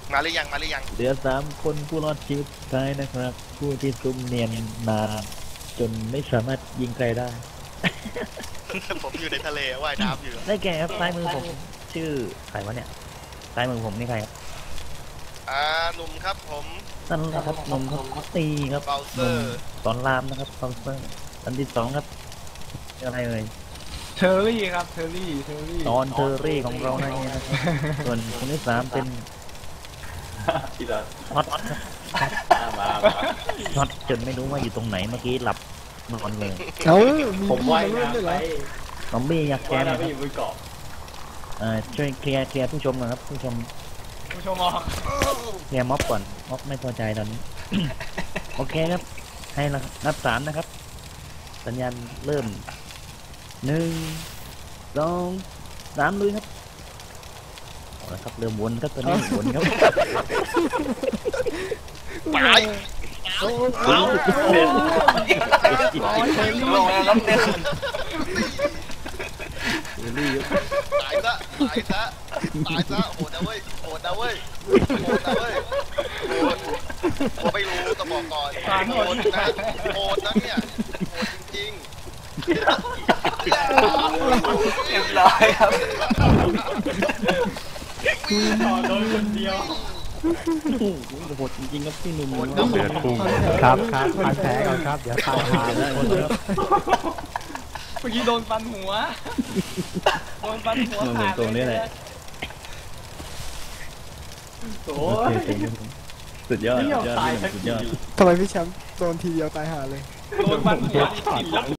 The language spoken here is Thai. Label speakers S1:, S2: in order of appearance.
S1: มาหรือยัง
S2: เหลือ3 คนผู้รอดชีวิตสุดท้ายนะครับผู้ที่ซุ่มเนียนนานจนไม่สามารถยิงใครได้
S1: ผมอยู่ในทะเลว่ายน้ำอยู่
S2: ได้แก่ครับซ้ายมือผมชื่อใครวะเนี่ยซ้ายมือผมนี่ใครครับ
S1: หนุ่มครับผม
S2: นั่นแหละครับนมครับตีครับ
S1: เบลเซอร์
S2: สอนรามนะครับเบลเซอร์อันที่2ครับอะไรเอ่ย
S3: เทอร์รี่ครับเทอร์รี่
S2: ตอนเทอร์รี่ของเรานั่นเองนะครับส่วนคนที่3เป็น
S4: ที่เรา
S2: ฮอตครับ
S4: มา
S2: ช็อตจนไม่รู้ว่าอยู่ตรงไหนเมื่อกี้หลับนอนเลย
S4: ผมว่ายน้ำไป
S2: ซอมบี้อยากแก
S4: ว่าย
S2: นะ
S4: น้ำไป
S2: ครั
S4: อบ ยู่บนเกาะ
S2: ช่วยเคลียร์ผู้ชมหนะครับผู้ชม
S3: ผู้ชมออก
S2: เคลียร์ม็อบก่อนม็อบไม่พอใจตอนนี้ โอเคครับให้นับ3นะครับสัญญาณเริ่ม1 2 3ลุยครับเอาละครับเริ่มวนครับตอนนี้วนครับ
S1: ไป
S2: โอ้โห
S1: ลงแล้วเดิน
S2: เทอร์รี่ครับ
S1: ตายซะโหดนะเว้ยโหดนะไม่รู้ต้องบอกก่อนโหดนะเนี่ยโหดจริงเรียบร้อยครับ
S4: ต่อโดนคนเดียว
S2: โอ้โหโหดจริงๆครับพี่หนุ่ม
S5: เดือดพุ่งครับพันแผลก่อนครับเดี๋ยวตายหาทุกคนครับ
S3: เมื่อกี้โดนฟันหัวขาด
S2: ตรงนี้แหละ
S4: โอ้
S2: โอเคสุดยอดสุดยอด
S4: ตายสัก
S2: สุด
S4: ที
S2: ยอด
S6: ทำไมพี่แชมป์โดนทีเดียวตายห่าเลย
S3: โดนฟันหัว